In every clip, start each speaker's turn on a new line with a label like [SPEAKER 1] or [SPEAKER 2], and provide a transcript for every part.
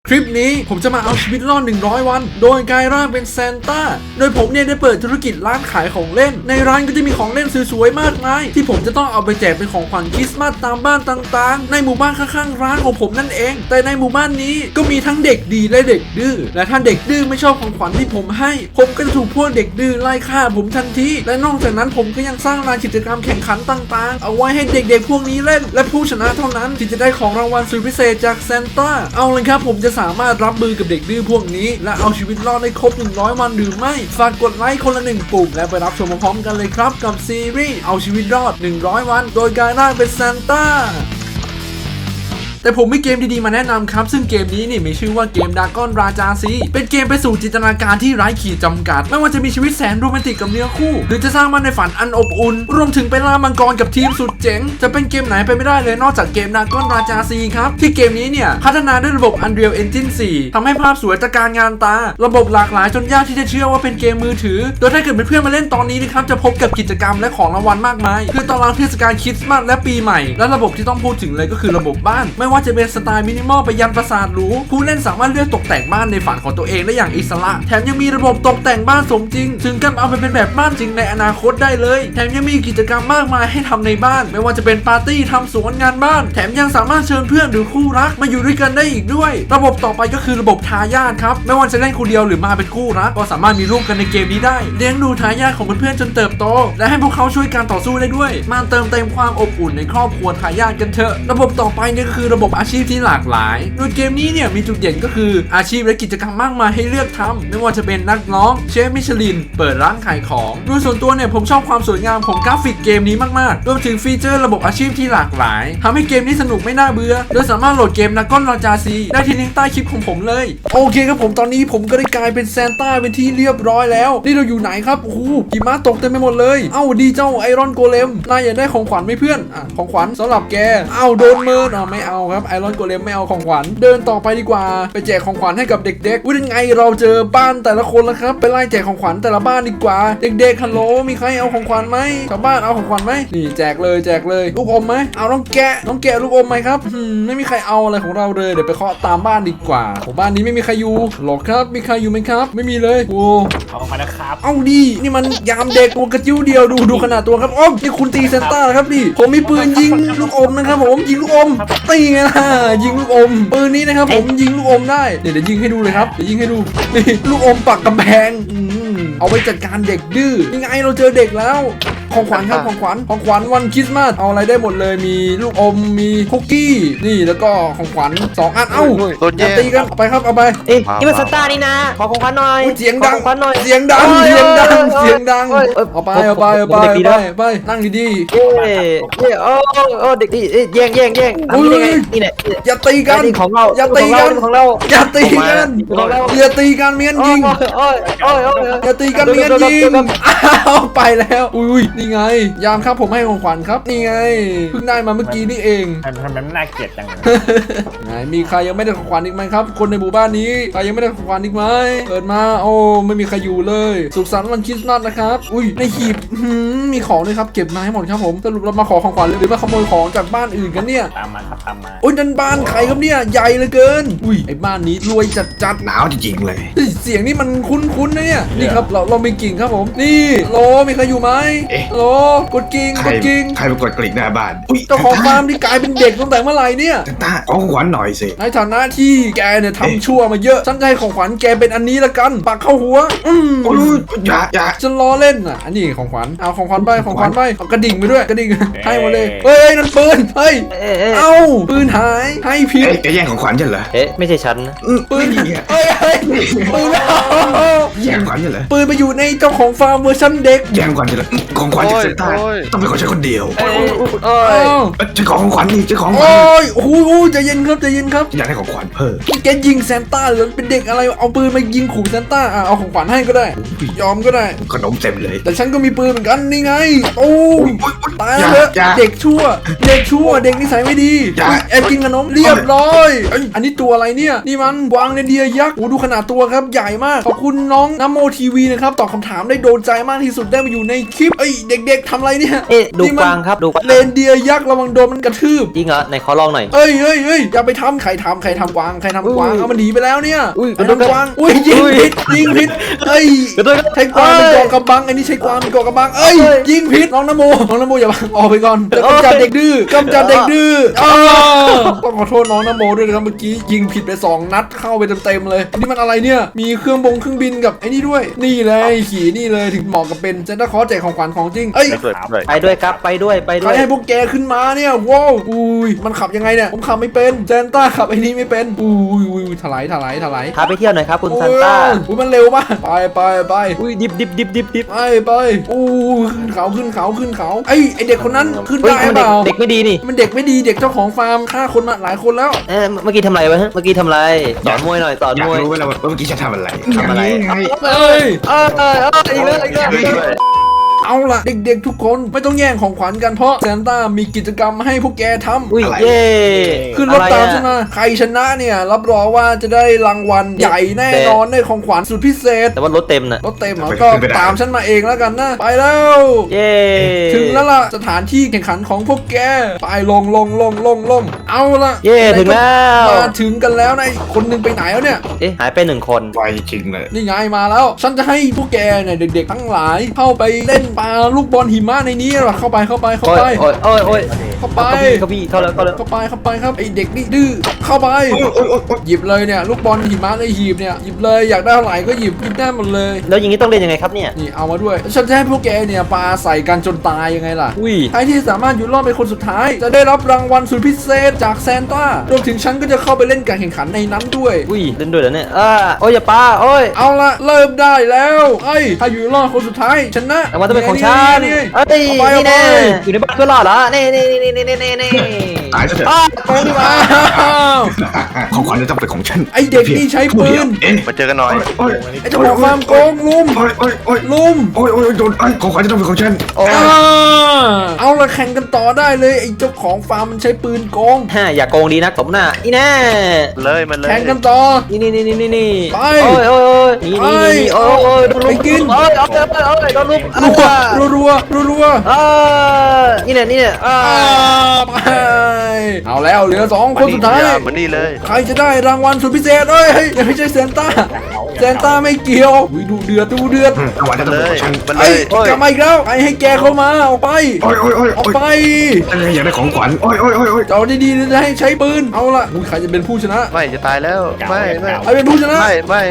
[SPEAKER 1] คลิปนี้ผมจะมาเอาชีวิตรอด100วันโดยกลายร่างเป็นซานต้าโดยผมเนี่ยได้เปิดธุรกิจร้านขายของเล่นในร้านก็จะมีของเล่นสวยๆมากมายที่ผมจะต้องเอาไปแจกเป็นของขวัญคริสต์มาสตามบ้านต่างๆในหมู่บ้านข้างๆร้านของผมนั่นเองแต่ในหมู่บ้านนี้ก็มีทั้งเด็กดีและเด็กดื้อและถ้าเด็กดื้อไม่ชอบของขวัญที่ผมให้ผมก็จะถูกพวกเด็กดื้อไล่ฆ่าผมทันทีและนอกจากนั้นผมก็ยังสร้างลานกิจกรรมแข่งขันต่างๆเอาไว้ให้เด็กๆพวกนี้เล่นและผู้ชนะเท่านั้นที่จะได้ของรางวัลสุดพิเศษจากซานต้าเอาเลยครับผมจะสามารถรับมือกับเด็กดื้อพวกนี้และเอาชีวิตรอดได้ครบ100วันหรือไม่ฝากกดไลค์คนละ1ปุ่มและไปรับชมพร้อมกันเลยครับกับซีรีส์เอาชีวิตรอด100วันโดยการร่างเป็นซานต้าแต่ผมมีเกมดีๆมาแนะนำครับซึ่งเกมนี้นี่มีชื่อว่าเกมดากอนราจาซีเป็นเกมไปสู่จินตนาการที่ไร้ขีดจำกัดไม่ว่าจะมีชีวิตแสนโรแมนติกกับเนื้อคู่หรือจะสร้างมันในฝันอันอบอุ่นรวมถึงไปล่ามังกรกับทีมสุดเจ๋งจะเป็นเกมไหนไปไม่ได้เลยนอกจากเกมดากอนราจาซีครับที่เกมนี้เนี่ยพัฒนาด้วยระบบ Unreal Engine 4ทำให้ภาพสวยตระการงานตาระบบหลากหลายจนยากที่จะเชื่อว่าเป็นเกมมือถือโดยถ้าเกิดเพื่อนๆมาเล่นตอนนี้นะครับจะพบกับกิจกรรมและของรางวัลมากมายคือตารางเทศกาลคริสต์มาสและปีใหม่และระบบที่ต้องพูดถึงเลยก็คือระบบบ้านไม่ว่าจะเป็นสไตล์มินิมอลไปยันปราสาทหรูผู้เล่นสามารถเลือกตกแต่งบ้านในฝันของตัวเองได้อย่างอิสระแถมยังมีระบบตกแต่งบ้านสมจริงถึงกับเอาไปเป็นแบบบ้านจริงในอนาคตได้เลยแถมยังมีกิจกรรมมากมายให้ทำในบ้านไม่ว่าจะเป็นปาร์ตี้ทำสวนงานบ้านแถมยังสามารถเชิญเพื่อนหรือคู่รักมาอยู่ด้วยกันได้อีกด้วยระบบต่อไปก็คือระบบทายาทครับไม่ว่าจะเล่นคนเดียวหรือมาเป็นคู่รักก็สามารถมีลูกกันในเกมนี้ได้เลี้ยงดูทายาทของเพื่อนๆจนเติบโตและให้พวกเขาช่วยการต่อสู้ได้ด้วยมาเติมเต็มความอบอุ่นในครอบครัวทายาทกันเถอะระบบต่อไปนี่ก็คือระบบอาชีพที่หลากหลายโดยเกมนี้เนี่ยมีจุดเด่นก็คืออาชีพและกิจกรรมมากมายให้เลือกทำไม่ว่าจะเป็นนักร้องเชฟมิชลินเปิดร้านขายของโดยส่วนตัวเนี่ยผมชอบความสวยงามของกราฟิกเกมนี้มากๆรวมถึงฟีเจอร์ระบบอาชีพที่หลากหลายทำให้เกมนี้สนุกไม่น่าเบื่อโดยสามารถโหลดเกมดากอนราจาซีได้ที่ลิงก์ใต้คลิปของผมเลยโอเคครับผมตอนนี้ผมก็ได้กลายเป็นซานต้าเป็นที่เรียบร้อยแล้วนี่เราอยู่ไหนครับโอ้โหหิมะตกเต็มไปหมดเลยเอ้าดีเจ้าไอรอนโกเลมนายอยากได้ของขวัญไหมเพื่อนของขวัญสำหรับแกเอ้าโดนเมินไม่เอาครับไอรอนโกเลมไม่เอาของขวัญเดินต่อไปดีกว่าไปแจกของขวัญให้กับเด็กๆว่ายังไงเราเจอบ้านแต่ละคนแล้วครับไปไล่แจกของขวัญแต่ละบ้านดีกว่าเด็กๆฮัลโหลมีใครเอาของขวัญไหมชาวบ้านเอาของขวัญไหมนี่แจกเลยลูกอมไหมเอาน้องแกะลูกอมไหมครับไม่มีใครเอาอะไรของเราเลยเดี๋ยวไปเคาะตามบ้านดีกว่าของบ้านนี้ไม่มีใครอยู่หรอกครับมีใครอยู่ไหมครับไม่มีเลยโอ้
[SPEAKER 2] เอามานะครับ
[SPEAKER 1] เอาดินี่มันยามเด็กตัวกระจิ้วเดียวดูขนาดตัวครับอ้อมนี่คุณตีซานต้าครับดิผมมีปืนยิงลูกอมนะครับผมยิงลูกอมตีไงล่ะยิงลูกอมปืนนี้นะครับผมยิงลูกอมได้เดี๋ยวยิงให้ดูเลยครับเดี๋ยวยิงให้ดูนี่ลูกอมปักกำแพงเอาไว้จัดการเด็กดื้อยังไงเราเจอเด็กแล้วของขวัญครับของขวัญวันคริสต์มาสเอาอะไรได้หมดเลยมีลูกอมมีคุกกี้นี่แล้วก็ของขวัญ2อันอย่าตีกันเอาไปครับเอาไป
[SPEAKER 3] นี่มันซานต้านี่นะขอของขวัญหน่อย
[SPEAKER 1] เสียงดังเอาไปนั่งดี
[SPEAKER 3] ๆโอ้เด็กดีแย่งนี่แหละ
[SPEAKER 1] อย่าตีกัน
[SPEAKER 3] ของเรา
[SPEAKER 1] อย่าตีกันเมียนยิงอย่าตีกันเมียนยิงอ้าวไปแล้วอุ้ยนี่ไงยามครับผมให้ของขวัญครับนี่ไงเพิ่งได้มาเมื่อกี้นี่เอง
[SPEAKER 2] ทำไมมันน่าเกลียดจัง
[SPEAKER 1] ไหนมีใครยังไม่ได้ของขวัญอีกไหมครับคนในหมู่บ้านนี้ใครยังไม่ได้ของขวัญอีกไหมเปิดมาโอ้ไม่มีใครอยู่เลยสุขสันต์วันคริสต์มาสนะครับอุ้ยในหีบมีของด้วยครับเก็บมาให้หมดครับผมสรุปเรามาขอของขวัญหรือมาขโมยของจากบ้านอื่นกันเนี่ย
[SPEAKER 2] ตามมา
[SPEAKER 1] อุ้ยนั่นบ้านใครครับเนี่ยใหญ่เหลือเกินอุ้ยไอ้บ้านนี้รวยจัด
[SPEAKER 4] หนาวจริงๆเลย
[SPEAKER 1] เสียงนี่มันคุ้นๆนะเนี่ยนี่ครับเรามีกิ่งครับผมนี่โลมีใครอยู่ไหมโลกดกิ่ง
[SPEAKER 4] ใครไปกดกลิ่งหน้าบ้าน
[SPEAKER 1] เจ้าของฟาร์มที่กลายเป็นเด็กตั้งแต่เมื่อไหร่เนี่ย
[SPEAKER 4] ตาขอของขวัญหน่อยสิ
[SPEAKER 1] ในฐานะที่แกเนี่ยทำชั่วมาเยอะฉันจะให้ของขวัญแกเป็นอันนี้ละกันปักเข้าหัว
[SPEAKER 4] อย่า
[SPEAKER 1] ฉันล้อเล่นอันนี้ของขวัญเอาของขวัญไปเอากระดิ่งไปด้วยกระดิ่งให้มาเลยเฮ้ยนั่นปืนเฮ้ยเอาปืนหายให้ผิด
[SPEAKER 4] จะแย่งของขวัญฉันเหรอ
[SPEAKER 3] ไม่ใช่ฉันนะ
[SPEAKER 1] ปืนเฮ้ยปืน
[SPEAKER 4] แย่งของขวัญฉันเหรอ
[SPEAKER 1] ปืนไปอยู่ในเจ้าของฟาร์มเวอร์ชันเด็ก
[SPEAKER 4] แย่งของขวัญฉันเหรอของขวัญจากซานต้าต้องเป็นของฉันคนเดียวจะของขวัญนี่จะของขวัญ
[SPEAKER 1] โอ้โหใจเย็นครับ
[SPEAKER 4] อยากได้ของขวัญเพิ่ม
[SPEAKER 1] แกยิงซานต้าหรือเป็นเด็กอะไรเอาปืนมายิงขู่ซานต้าเอาของขวัญให้ก็ได้ยอมก็ได้
[SPEAKER 4] ขนมเต็มเลย
[SPEAKER 1] แต่ฉันก็มีปืนเหมือนกันนี่ไงโอ้ตายแล้วเด็กชั่วเด็กนิสัยไม่ดีแอบกินขนมเรียบร้อยอันนี้ตัวอะไรเนี่ยนี่มันกวางเรนเดียร์ยักษ์ดูขนาดตัวครับใหญ่มากขอบคุณน้องน้ำโมทีวีนะครับตอบคำถามได้โดนใจมากที่สุดได้มาอยู่ในคลิปเด็กๆทำอะไรเนี่ย
[SPEAKER 3] ดูกวางครับดูกวาง
[SPEAKER 1] เรนเดียร์ยักษ์ระวังโดนมันกระทืบ
[SPEAKER 3] จริงเหรอไหนขอลองหน่อย
[SPEAKER 1] เอ้ยอย่าไปทำใครทำกวางเอามันหนีไปแล้วเนี่ย
[SPEAKER 3] อุ้ย
[SPEAKER 1] ใครทำกวางยิงผิดใช้กวางเป็นเกาะกำบังอันนี้ใช้กวางเป็นเกาะกำบังยิงผิดน้องนโมอย่าออกไปก่อนกำจัดเด็กดื้อต้องขอโทษน้องนโมด้วยนะครับเมื่อกี้ยิงผิดไป2 นัดเข้าไปเต็มเลยนี่มันอะไรเนี่ยมีเครื่องบินกับไอ้นี่ด้วยนี่เลยขี่นี่เลยถึงเหมาะกับเป็นเซนต้าคอร์แจกของขวัญของจริง
[SPEAKER 3] ไปด้วยครับไปด้วย
[SPEAKER 1] ใครให้พวกแกขึ้นมาเนี่ยว้าวมันขับยังไงเนี่ยผมขับไม่เป็นเซนต้าขับไอ้นี่ไม่เป็นถลาย
[SPEAKER 3] พาไปเที่ยวหน่อยครับคุณซานต้า
[SPEAKER 1] มันเร็วมากไป
[SPEAKER 3] ดิบ
[SPEAKER 1] ไปขึ้นเขาไอเด็กคนนั้นขึ้นได้เปล่า
[SPEAKER 3] เด็กไม่ดีนี่
[SPEAKER 1] มันเด็กไม่ดีเด็กเจ้าของฟาร์มฆ่าคนมาหลายคนแล้ว
[SPEAKER 3] เมื่อกี้ทำอะไรวะเมื่อกี้ทำอะไรสอนมวยหน่อยสอน
[SPEAKER 4] อยาม ก
[SPEAKER 3] วย
[SPEAKER 4] รู้ไหมล่ะว่าเมื่อกี้ฉันทำอะไร
[SPEAKER 3] ไง
[SPEAKER 1] อีกแล้วเอาล่ะเด็กๆทุกคนไม่ต้องแย่งของขวัญกันเพราะซานต้ามีกิจกรรมให้พวกแกทำขึ้นรถตามฉันมาใครชนะเนี่ยรับรองว่าจะได้รางวัลใหญ่แน่นอนได้ของขวัญสุดพิเศษ
[SPEAKER 3] แต่ว่ารถเต็มนะ
[SPEAKER 1] รถเต็มก็ตามฉันมาเองแล้วกันนะไปแล้วถึงแล้วล่ะสถานที่แข่งขันของพวกแกไปลงเอาล่ะ
[SPEAKER 3] ถึงแล้ว
[SPEAKER 1] มาถึงกันแล้วนะคนนึงไปไหนแล้วเนี่ย
[SPEAKER 3] หายไป1 คน
[SPEAKER 4] ไปจริงเลย
[SPEAKER 1] นี่ไงมาแล้วฉันจะให้พวกแกเนี่ยเด็กๆทั้งหลายเข้าไปเล่นปาลูกบอลหิมะในนี้หรอเข้าไปเข้าไปเข้าไปครับไอเด็กนี่ดื้อเข้าไปหยิบเลยเนี่ยลูกบอลหิมะในหีบเนี่ยหยิบเลยอยากได้เท่าไหร่ก็หยิบได้หมดเลย
[SPEAKER 3] แล้วอย่างนี้ต้องเล่นยังไงครับเนี่ย
[SPEAKER 1] นี่เอามาด้วยฉันจะให้พวกแกเนี่ยปาใส่กันจนตายยังไงล่ะใครที่สามารถอยู่รอดเป็นคนสุดท้ายจะได้รับรางวัลสุดพิเศษจากซานต้ารวมถึงฉันก็จะเข้าไปเล่นการแข่งขันในนั้นด้วย
[SPEAKER 3] เล่นด้วยเหรอเนี่ยอย่าปา
[SPEAKER 1] เอาละเริ่มได้แล้วถ้าอยู่รอดคนสุดท้ายชนะ
[SPEAKER 3] รางวัลต้องเป็นของฉันนี่แน่อยู่ในบ้านเพื่อนรอดเหรอนี่
[SPEAKER 4] ตายซะเถอะของขวัญจะต้องเป็นของฉัน
[SPEAKER 1] ไอเด็กนี่ใช้ปืน
[SPEAKER 2] มาเจอกันหน่อย
[SPEAKER 1] ไอเจ้าของฟาร์มโกงลุม
[SPEAKER 4] โดนของขวัญจะต้องเป็นของฉัน
[SPEAKER 1] เอาละแข่งกันต่อได้เลยไอเจ้าของฟาร์มมันใช้ปืนโกง
[SPEAKER 3] อย่าโกงดีนะสมหน้าแน่
[SPEAKER 2] เลยมันเลย
[SPEAKER 1] แข่งกันต่อ
[SPEAKER 3] นี่
[SPEAKER 1] ไป
[SPEAKER 3] ไปกินโดนลุม
[SPEAKER 1] รัว
[SPEAKER 3] นี่
[SPEAKER 1] เอาแล้วเหลือ2 คนสุดท้าย
[SPEAKER 2] มันนี่เลย
[SPEAKER 1] ใครจะได้รางวัลสุดพิเศษอย่าให้ใช่ซานต้าไม่เกี่ยวดูเดือด
[SPEAKER 4] ของขวัญจะต้องเป็นของฉัน
[SPEAKER 1] กลับมาอีกแล้วให้แกเข้ามาออกไป
[SPEAKER 4] อยากได้ของขวัญ
[SPEAKER 1] เจ้าดีๆจะให้ใช้ปืนเอาละใครจะเป็นผู้ชนะ
[SPEAKER 2] ไม่จะตายแล้วไม่
[SPEAKER 1] ใครเป็นผู้ชนะ
[SPEAKER 2] ไม่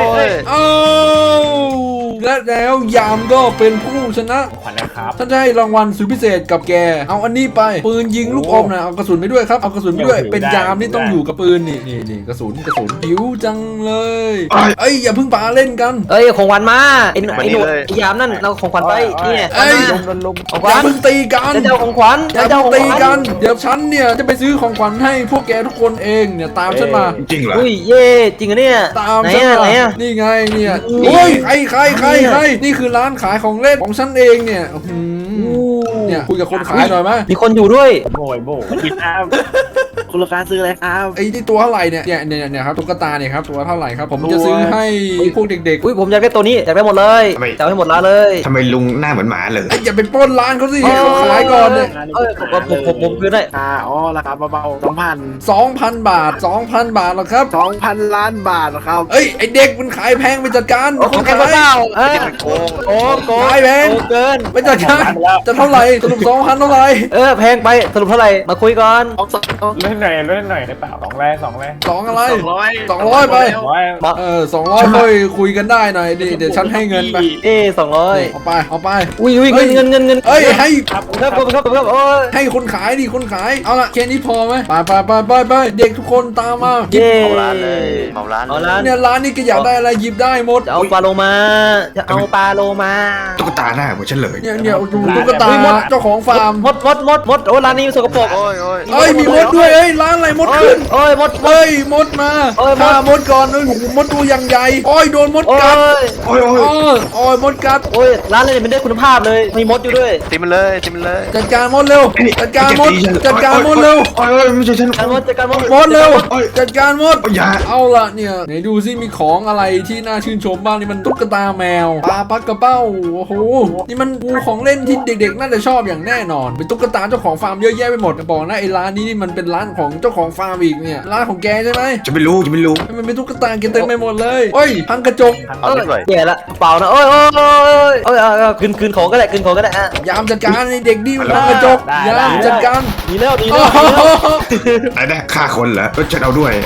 [SPEAKER 1] และแล้วยามก็เป็นผู้ชนะท่านจะให้รางวัลสุดพิเศษกับแกเอาอันนี้ไปปืนยิงลูกอมนะเอากระสุนไปด้วยครับเอากระสุนไปด้วยเป็นยามนี่ต้องอยู่กับปืนนี่กระสุนหิวจังเลยอย่าเพิ่งปาเล่นกัน
[SPEAKER 3] ของขวัญมาไอ้หนุ่มยามนั่นเราของขวัญไปเนี่ย
[SPEAKER 1] ของขวัญเพิ่งตีกัน
[SPEAKER 3] จะเอาของขวัญ
[SPEAKER 1] ตีกันเดี๋ยวฉันเนี่ยจะไปซื้อของขวัญให้พวกแกทุกคนเองเนี่ยตามฉันมา
[SPEAKER 4] จริงเหรอ
[SPEAKER 3] จริงเหรอเนี่ย
[SPEAKER 1] ตามฉันมานี่ไงเนี่ยใครนี่คือร้านขายของเล่นของฉันเองเนี่ยเนี่ยคุยกับคนขายหน่อยไหม
[SPEAKER 3] มีคนอยู่ด้วย
[SPEAKER 2] โบกินอ้าวคุณลูกค้าซื้ออะไรครับ
[SPEAKER 1] ไอ้ที่ตัวเท่าไหร่เนี่ยครับตุ๊กตาเนี่ยครับตัวเท่าไหร่ครับผมจะซื้อให้พวกเด็ก
[SPEAKER 3] ๆผมอยากได้ตัวนี้อยากได้หมดเลยจะเอาให้หมดร้านเลย
[SPEAKER 4] ทำไมลุงหน้าเหมือนหมาเลย
[SPEAKER 1] อย่าไปปล้นร้านเขาสิเขาขายก่อนเลย
[SPEAKER 3] ผมคืนได้
[SPEAKER 2] ราคาเบาๆ
[SPEAKER 1] 2,000 บาทหรอครับ
[SPEAKER 2] 2,000 ล้านบาทครับ
[SPEAKER 1] ไอเด็กมันขายแพงไปจัดการ
[SPEAKER 3] คนขาย
[SPEAKER 1] โกงขายแพง
[SPEAKER 3] เกิน
[SPEAKER 1] ไปจัดการจะเท่าไหร่สรุป 2,000 เท่าไหร่
[SPEAKER 3] แพงไปสรุปเท่าไหร่มาคุยก่อน
[SPEAKER 2] เล่นหน่อยได้เปล่า2
[SPEAKER 1] อะไร200ไป200ค่อยคุยกันได้หน่อยดิเดี๋ยวฉันให้เงินไป
[SPEAKER 3] 200
[SPEAKER 1] เอาไป
[SPEAKER 3] อุ้ยเงิน
[SPEAKER 1] ให้
[SPEAKER 3] ครับ
[SPEAKER 1] ให้คนขายดิคนขายเอาละแค่นี้พอไหมไปเด็กทุกคนตามมา
[SPEAKER 2] เมาร้านเลยเมาร้าน
[SPEAKER 1] เนี่ยร้านนี้ก็อยากได้อะไรหยิบได้หมด
[SPEAKER 3] จะเอาปลาโลมา
[SPEAKER 4] ตุ๊กตาหน้าเหมือนฉันเลย
[SPEAKER 1] เนี่ยตุ๊กตาเจ้าของฟาร์ม
[SPEAKER 3] มดร้านนี้สกปรก
[SPEAKER 1] มีมดด้วยร้านอะไรมดขึ้น
[SPEAKER 3] โอ้ยมด
[SPEAKER 1] เฮ้ยมดมา
[SPEAKER 3] โอ้ยมด
[SPEAKER 1] ฆ่ามดก่อนเลยโอ้โหมดตัวอย่างใหญ่โอ้ยโดนมด
[SPEAKER 3] โอ้
[SPEAKER 1] กัด
[SPEAKER 3] ย
[SPEAKER 4] โอ้ยโอ้ย
[SPEAKER 1] โอ้ยมดกัด
[SPEAKER 3] โอ้ยร้านอะไรไม่ได้คุณภาพเลยมีมดอยู่ด้วย
[SPEAKER 5] ตีมันเลยตีมันเลย
[SPEAKER 1] จัดการมดเร็วจัดการมดจัดการมดเร็ว
[SPEAKER 4] โอ้ยไม่ใช่ฉัน
[SPEAKER 3] การมดจัดการมด
[SPEAKER 1] มดเร็วจัดการมด
[SPEAKER 4] โอ้ยอย่า
[SPEAKER 1] เอาละเนี่ยไหนดูซิมีของอะไรที่น่าชื่นชมบ้างนี่มันตุ๊กตาแมวปลาปักกระเป้าโอ้โหนี่มันปูของเล่นที่เด็กๆน่าจะชอบอย่างแน่นอนเป็นตุ๊กตาเจ้าของฟาร์มเยอะแยะไปหมดบอกนะไอ้ร้านนี้นี่มันเป็นร้านของเจ้าของฟาร์มอีกเนี่ยร้านของแกใช่ไหม
[SPEAKER 4] จะไม่รู้จะไม่รู้
[SPEAKER 1] มันเป็นตุ๊กตาเกเต็มไปหมดเลยเฮ้ยพังกระจก
[SPEAKER 5] เอาเล่นด้วย
[SPEAKER 3] แย่ละเปล่านะโอ้ยโอ้ยโอ้ยคืนของก็ได้คืนของก็ได้ฮะ
[SPEAKER 1] ยามจัดการไอ้เด็กดีมันพังกระจกยามจัดการ
[SPEAKER 3] หนีแล้วหนี
[SPEAKER 1] โอ้
[SPEAKER 3] แล้ว
[SPEAKER 1] โห
[SPEAKER 4] ไหนได้ฆ่าคนเหรอฉันเอาด้วย